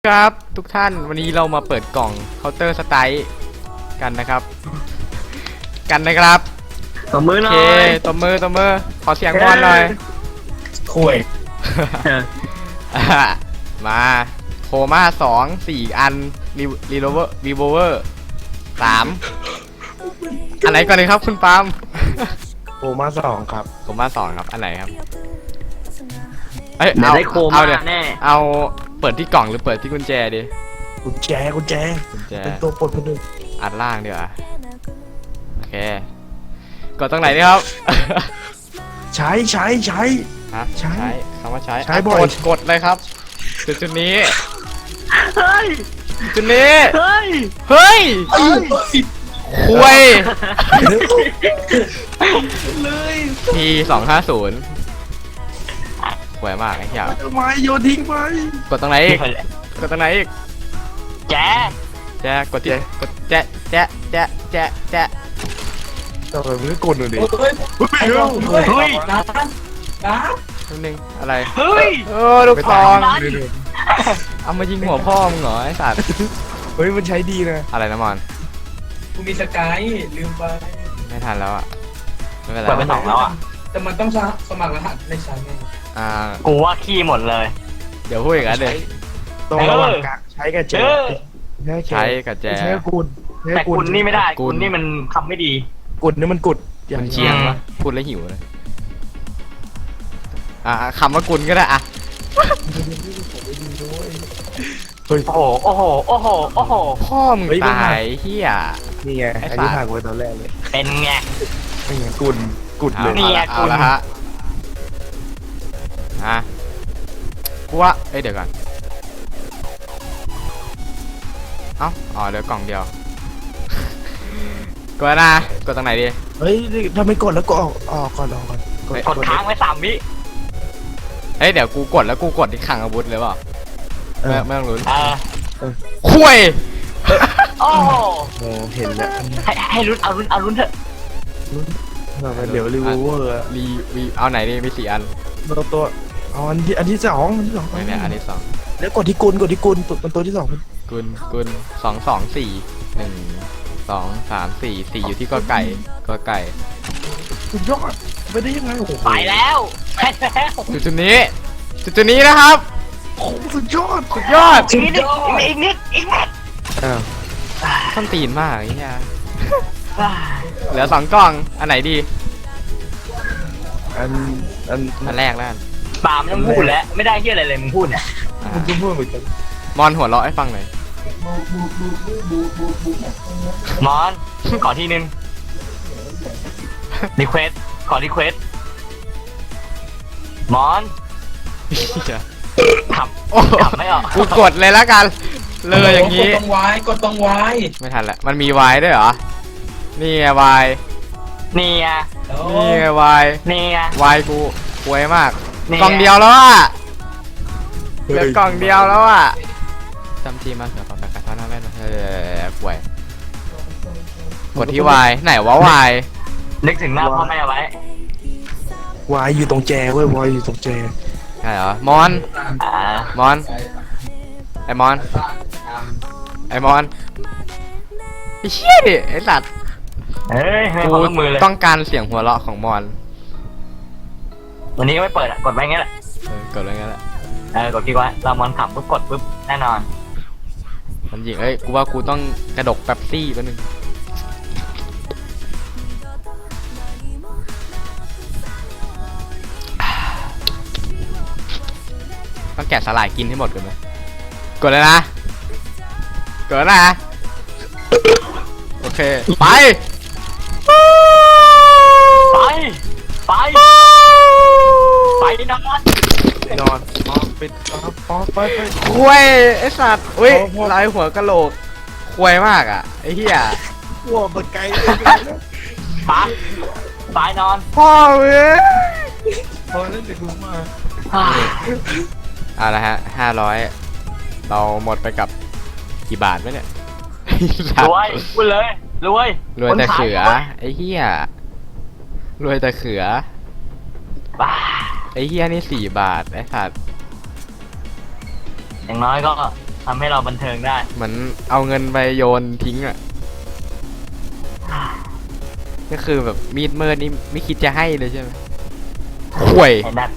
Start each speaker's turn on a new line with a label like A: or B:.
A: ครับทุกท่านวันนี้เรามาเปิดกล่องเคาน์เตอร์สไตล์กันนะครับ
B: ตบมือหน่อ
A: โอเค
B: ย
A: ตบมือขอเสียงบอลหน่อย
B: คุย
A: มาโคม่า4 อันรีโวเวอร์3อันไหนก่อนเลยครับคุณปาล์ม
C: โอมา2ครับ
A: โคม่า2ครับอันไหนครับเอ้ย
B: เดี๋ยวได้โคม่า
A: เดี๋ยว
B: แน่
A: เอาเปิดที่กล่องหรือเปิดที่กุญแจดิ
C: กุญแจ
A: กุญแจ
C: เป็นตัวปลดคนหนึ่ง
A: อัดล่างดีกว่าโอเคกดตรงไหนดีครับ
C: ใช้
A: ฮะ
C: ใช้
A: คำว่าใช้
C: ใช้บ่อย
A: กดเลยครับจุดนี้
B: เฮ้ย
A: จุดนี้
B: เฮ้ย
A: เฮ้ยคุย
C: เลย
A: ที250หวยมากไอ้เหี้ย
C: ทำไมโยนทิ้งไป
A: กดตรงไหนอีกกดตรงไหนอีก
B: แจ๊ะ
A: แจ๊กดที่กดแจ๊ะ
C: ทำไมมึงก็กดหน่อยดิ
B: เฮ้ย
A: นิดนึงอะไร
B: เฮ้ย
A: ลูกทอง
B: ไม่ได้
A: เอามายิงหัวพ่อมึงเหรอไอ้สัตว์
C: เฮ้ยมันใช้ดีนะ
A: อะไรนะมอน
D: กูมีสกายลืมไป
A: ไม่ทันแล้วอ่ะไม่เป็นไร
B: เปิดไป2แล้วอ่ะ
D: แต่มันต้องสมัครรหัสในชั้นไง
B: กูว่าขี้หมดเลย
A: เดี๋ยวพูดอีกแล้วเดี๋ยว
C: ตรงระหว่างกลางใช้กับแจ
A: ใช้กับแจ
C: ใช้กับกุล
B: แต่คุณนี่ไม่ได้
A: กุ
B: คุ
A: ล
B: ณนี่มันทำไม่ดี
C: กุลนี่มันกุด
A: มันเชียงวะพูดแล้วหิวเลยคำว่ากุลก็ได้อ่ะ
C: เฮ้ย
B: โอ้โห โอ้โห โอ้โห โอ้โห
A: พ่อมึงตายเฮีย
C: นี่ไง
A: ไอ้
C: ไอ้
A: สัตว์
C: ที่ผ่านไปตอนแรกเลย
B: เป็นไง
C: ไม่ไงกุดเลย
B: นี่ไง
A: เอาละฮะกูว่าเดี๋ยวก่อนอ๋อเหลือกล่องเดียว กดนะกดตรงไหนดี
C: เฮ้ยถ้าไม่กดแล้วก็ออกก่อน
B: กดค้างไว้3 วิ
A: เดี๋ยวกูกดแล้วกูกดที่ขังอาวุธเลยเปล่าไม่ต้องลุ้น คุย
B: โอ้โห
C: โอ้เห็นแล้ว
B: ให้ลุ้นเอาลุ้นเถอะ
C: เดี๋ยวรีวิวเวอร์
A: รีเอาไหนดีมี4 อัน
C: ตัวเอาอันที่สอง
A: เนี่ยอันที่2
C: แล้วกดที่กุลเป็นตัวที่2
A: กุล2 2 4 1 2 3 4 4อยู่ที่กอไก่
C: สุดยอดไปได้ยังไงโอ้โห
B: ไปแล้วไปแล้ว
A: จุดนี้นะครับ
C: โอ้โหสุดยอด
B: อีกนิดอีกนิด
C: อ้าว
A: ต้นตีนมากไอ้เหี้ยเหลือ2 กล่องอันไหนดี
C: อัน
A: แรกแล้วกัน
B: ป่าไม่ต้องพูดแล้ว ไม่ได้เฮียอะไรเลยมึงพูดเนี่ย
C: มันก็พูดเหมือนกัน
A: มอนหัวเราะให้ฟังหน่อย
B: มอน ขอทีนึงรีเควสขอรีเควสมอนขับ
A: โอ้โห
B: ขับไม่ออก
A: กูกดเลยแล้วกัน เลยอย่าง
D: นี้
A: นี้
D: กดตรงไว้กดตรงไว้
A: ไม่ทันละมันมีวายด้วยเหรอ นี่ไงวาย
B: นี่ไง
A: นี่ไงวาย
B: นี่ไง
A: วายกูป่วยมาก
B: นี่
A: กล่องเดียวแล้วอ่ะเหลือกล่องเดียวแล้วอ่ะจำจีมาเสือปากกาท่าหน้าแม่ป่วยกดที่วายไหนวะวาย
B: นึกถึงหน้าพ่อแม่ไว้
C: วายอยู่ตรงแจเว้ยวายอยู่ตรงแจ
A: ใช่เหรอมอน
B: อ่า
A: มอนไอมอนไอเชี่ยดิไอสัตว์
B: เฮ้ยให้
A: กู
B: ความร่วมมือเลย
A: ต้องการเสียงหัวเราะของมอน
B: วันนี้ก็ไม่เปิดอ่ะ กดไว้งั้นแหละ
A: กดอะไรงั้นแหละ
B: กดคลิกไว้เรามอนขำปุ๊บกดปุ๊บแน่นอน
A: มันยิงกูว่ากูต้องกระดกแป๊บซี่แป๊บนึงต้องแกะสลายกินให้หมดก่อนไหมกดเลยนะกดแล้วนะโอเคไป
B: ไปไปไปนอน
C: นอนปิดไป
A: คุยไอสัตว์อุ้ยลายหัวกะโหลกคุยมากอ่ะไอเหี้ย
C: หัวมันไกล
B: ไปไปนอน
A: พ่อเว้ย
C: พอแล้วเดี๋ยวกูมา
A: เอาละฮะ500เราหมดไปกับกี่บาทวะเนี่ย
B: รวยพูดเลยรวย
A: รวยแต่เขือ
B: คนขาย
A: ไอ้เหี้ยรวยแต่เขือ
B: บ้า
A: ไอ้เหี้ยนี่4 บาทไอ้สัตว์
B: อย่างน้อยก็ทำให้เราบันเทิงได้
A: เหมือนเอาเงินไปโยนทิ้งอ่ะก็คือแบบมีดเมินนี่ไม่คิดจะให้เลยใช่ไหมห่วย
B: ไอ้นัท